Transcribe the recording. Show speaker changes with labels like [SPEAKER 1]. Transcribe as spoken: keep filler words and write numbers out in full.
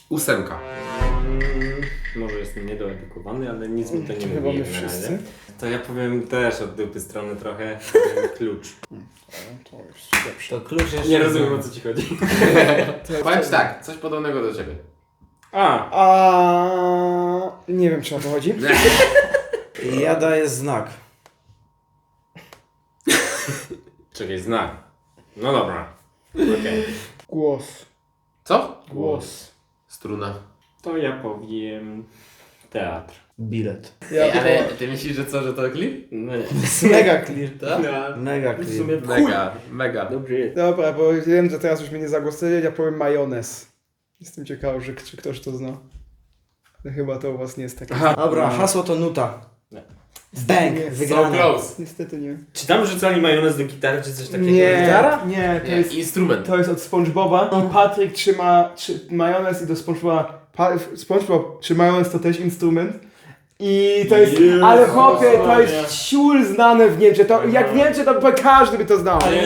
[SPEAKER 1] Ósemka.
[SPEAKER 2] Mm, może jestem niedoedukowany, ale nic mi to nie
[SPEAKER 3] Chyba
[SPEAKER 2] mówi.
[SPEAKER 3] my
[SPEAKER 2] na
[SPEAKER 3] wszyscy.
[SPEAKER 2] razie. To ja powiem też od dupy strony trochę. Powiem klucz.
[SPEAKER 3] To jest lepsze.
[SPEAKER 4] To klucz jeszcze...
[SPEAKER 2] Nie rozumiem, o co ci chodzi.
[SPEAKER 1] Powiem ci tak, coś podobnego do ciebie.
[SPEAKER 2] A,
[SPEAKER 3] A nie wiem, czy o to chodzi.
[SPEAKER 4] Ja daję znak.
[SPEAKER 2] czekaj, znak. No dobra. Okej.
[SPEAKER 3] Głos.
[SPEAKER 1] Co?
[SPEAKER 3] Głos.
[SPEAKER 1] Struna.
[SPEAKER 2] To ja powiem teatr.
[SPEAKER 4] Bilet.
[SPEAKER 3] Ja
[SPEAKER 1] Ej, ale
[SPEAKER 3] tylko...
[SPEAKER 1] ty myślisz, że co, że to klip?
[SPEAKER 2] No nie.
[SPEAKER 3] Mega clear.
[SPEAKER 1] Tak?
[SPEAKER 4] Mega
[SPEAKER 2] W
[SPEAKER 4] clear.
[SPEAKER 2] sumie
[SPEAKER 1] Mega, mega.
[SPEAKER 2] dobrze jest.
[SPEAKER 3] Dobra, bo wiem, że teraz już mnie nie zagłosuje, ja powiem majonez. Jestem ciekawy, że, czy ktoś to zna. Ale chyba to u was nie jest takie.
[SPEAKER 1] Aha.
[SPEAKER 4] Dobra, hasło to nuta.
[SPEAKER 2] Nie.
[SPEAKER 4] Bang,
[SPEAKER 3] Nie.
[SPEAKER 1] So
[SPEAKER 4] wygrana.
[SPEAKER 1] close.
[SPEAKER 3] Niestety nie.
[SPEAKER 2] Czy tam rzucali majonez do gitary, czy coś takiego?
[SPEAKER 3] Nie,
[SPEAKER 2] Gitara?
[SPEAKER 3] nie, to
[SPEAKER 1] Nie,
[SPEAKER 3] jest,
[SPEAKER 1] instrument.
[SPEAKER 3] to jest od SpongeBoba i Patryk trzyma trzy, majonez i do SpongeBoba. Pa, SpongeBob czy majonez to też instrument. I to jest,
[SPEAKER 2] Jezus
[SPEAKER 3] ale chłopie, to
[SPEAKER 2] Maria.
[SPEAKER 3] jest ciul znane w Niemczech. To, jak w Niemczech to każdy by to znał.